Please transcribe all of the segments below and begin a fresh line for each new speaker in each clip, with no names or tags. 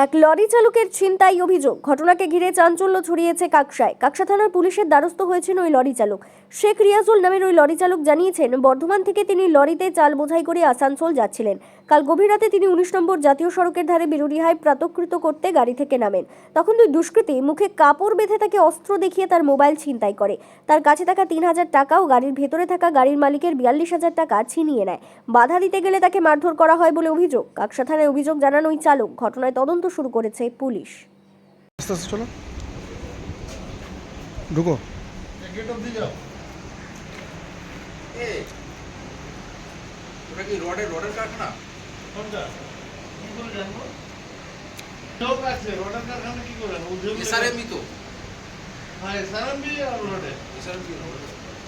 এক লরি চালকের ছিনতাই অভিযোগ। ঘটনাকে ঘিরে চাঞ্চল্য ছড়িয়েছে কাকসায়। কাকসা থানার পুলিশের দ্বারস্থ হয়েছেন ওই লরি চালক। শেখ রিয়াজুল নামের ওই লরি চালক জানিয়েছেন, বর্ধমান থেকে তিনি লরিতে চাল বোঝাই করে আসানসোল যাচ্ছিলেন। কাল গভীর রাতে তিনি 19 নম্বর জাতীয় সড়কের ধারে বিরুডিহায় প্রাতকৃত করতে গাড়ি থেকে নামেন। তখন দুই দুষ্কৃতী মুখে কাপড় বেঁধে তাকে অস্ত্র দেখিয়ে তার মোবাইল ছিনতাই করে। তার কাছে থাকা 3000 টাকা ও গাড়ির ভেতরে থাকা গাড়ির মালিকের 42,000 টাকা ছিনিয়ে নেয়। বাধা দিতে গেলে তাকে মারধর করা হয় বলে অভিযোগ। কাকসা থানায় অভিযোগ জানান ওই চালক। ঘটনায় তদন্ত শুরু করেছে পুলিশ।
চলো ঢুকো।
ওটা কি রডের কারখানা?
কোনটা? কি করে জানবো? লোক আছে, রডের কারখানা কি করে?
এসআরএমই তো।
হ্যাঁ, এসআরএমই আর রডে।
এসআরএমই রডে।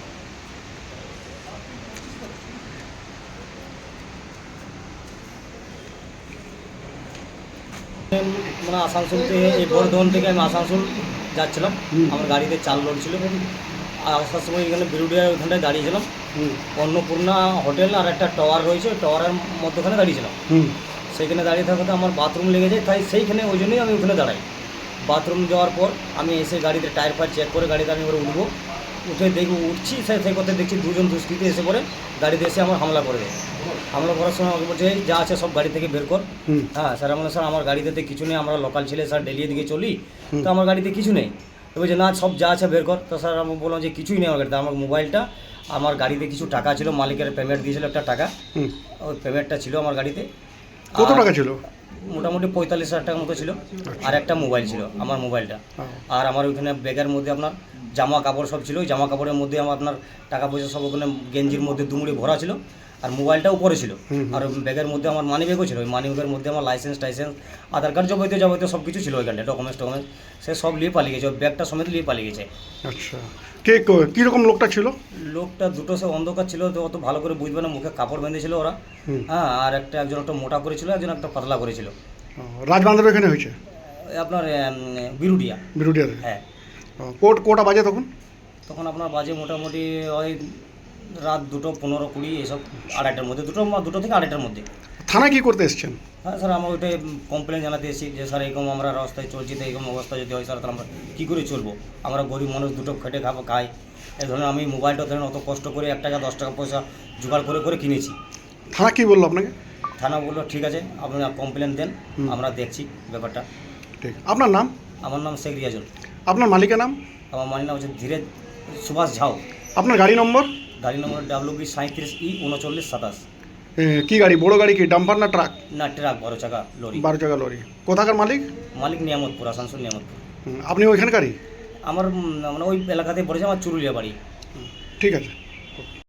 মানে আসানসোল থেকে এই বর্ধমান থেকে আমি আসানসোল যাচ্ছিলাম। আমার গাড়িতে চাল লোড ছিল। আর আসার সময় এখানে বিরুডিয়ার ওইখানটায় দাঁড়িয়েছিলাম। অন্নপূর্ণা হোটেল আর একটা টাওয়ার রয়েছে, ওই টাওয়ারের মধ্যখানে দাঁড়িয়েছিলাম। সেইখানে দাঁড়িয়ে থাকাতে আমার বাথরুম লেগে যায়, তাই সেইখানে ওই জন্যই আমি ওখানে দাঁড়াই। বাথরুম যাওয়ার পর আমি এসে গাড়িতে টায়ার ফায়ার চেক করে গাড়িতে আমি ওরা উঠবো। উঠে দেখবো উঠছি, সেই করতে দেখছি দুজন দুষ্কৃতী এসে পরে গাড়িতে এসে আমার হামলা করে দেয়। হামলা করার সময় আমাকে বলছে যা আছে সব গাড়ি থেকে বের কর। হ্যাঁ স্যার, আমরা স্যার আমার গাড়িতে কিছু নেই, আমরা লোকাল ছেলে স্যার ডেলি এদিকে চলি, তো আমার গাড়িতে কিছু নেই। তো বলছে না সব যা আছে বের কর। তো স্যার আমি বললাম যে কিছুই নেই আমার গাড়িতে। আমার মোবাইলটা, আমার গাড়িতে কিছু টাকা ছিল, মালিকের পেমেন্ট দিয়েছিল একটা টাকা, ওই পেমেন্টটা ছিল আমার গাড়িতে।
কত টাকা ছিল?
মোটামুটি 45,000 টাকার মতো ছিল। আর একটা মোবাইল ছিল, আমার মোবাইলটা। আর আমার ওইখানে ব্যাগের মধ্যে আপনার জামা কাপড় সব ছিল। ওই জামা কাপড়ের মধ্যে আমার আপনার টাকা পয়সা সব ওখানে গেঞ্জির মধ্যে দুমুড়ি ভরা ছিল। আর মোবাইলটা উপরে ছিল। আর ব্যাগের মধ্যে আমার মানি ব্যাগও ছিল। ওই মানি ব্যাগের মধ্যে আমার লাইসেন্স আধার কার্ড যাবতীয় সব কিছু ছিল ওইখানটায়, ডকুমেন্টস সে সব নিয়ে পালিয়ে গেছে। ওই ব্যাগটা সমেত নিয়ে পালিয়ে গেছে।
আচ্ছা, কীরকম লোকটা ছিল?
লোকটা দুটো সে অন্ধকার ছিল, তো অত ভালো করে বুঝবে না। মুখে কাপড় বেঁধেছিল ওরা। হ্যাঁ, আর একজন একটা মোটা করেছিল, একজন একটা পাতলা করেছিল।
রাজবান্ধার এখানে হয়েছে
আপনার
বিরুডিয়ার?
হ্যাঁ।
কোটা বাজে
তখন আপনার বাজে মোটামুটি ওই রাত 2:15-20 এইসব, আড়াইটার মধ্যে, দুটো থেকে আড়াইটার মধ্যে।
থানায় কি করতে এসেছেন?
হ্যাঁ স্যার, আমরা ওইটাই কমপ্লেন জানাতে এসেছি যে স্যার এরকম আমরা রাস্তায় চলছি, তো এরকম অবস্থা যদি হয় স্যার, তাহলে আমরা কী করে চলবো? আমরা গরিব মানুষ, দুটো খেটে খাই। এই ধরনের আমি মোবাইলটা ধরেন অত কষ্ট করে 1 টাকা 10 টাকা পয়সা জোগাড় করে কিনেছি।
থানা কি বললো আপনাকে?
থানা বললো ঠিক আছে, আপনি কমপ্লেন দেন, আমরা দেখছি ব্যাপারটা।
ঠিক। আপনার নাম?
আমার নাম শেখ রিয়াজুল।
আপনার মালিকের নাম?
আমার মালিক নাম হচ্ছে ধীরে সুভাষ ঝাও।
আপনার গাড়ি নম্বর?
গাড়ি নম্বর WB37E 3927।
কি গাড়ি? বড় গাড়ি কি, ডাম্পার না ট্রাক?
না, ট্রাক, 12 চাকা লরি।
12 চাকা লরি। কোথাকার মালিক?
মালিক নিয়ামতপুর, আসানসোল নিয়ামতপুর।
আপনি ওইখানকারই?
আমার মানে ওই এলাকাতে পড়েছে, আমার চুরুলিয়া বাড়ি।
ঠিক আছে।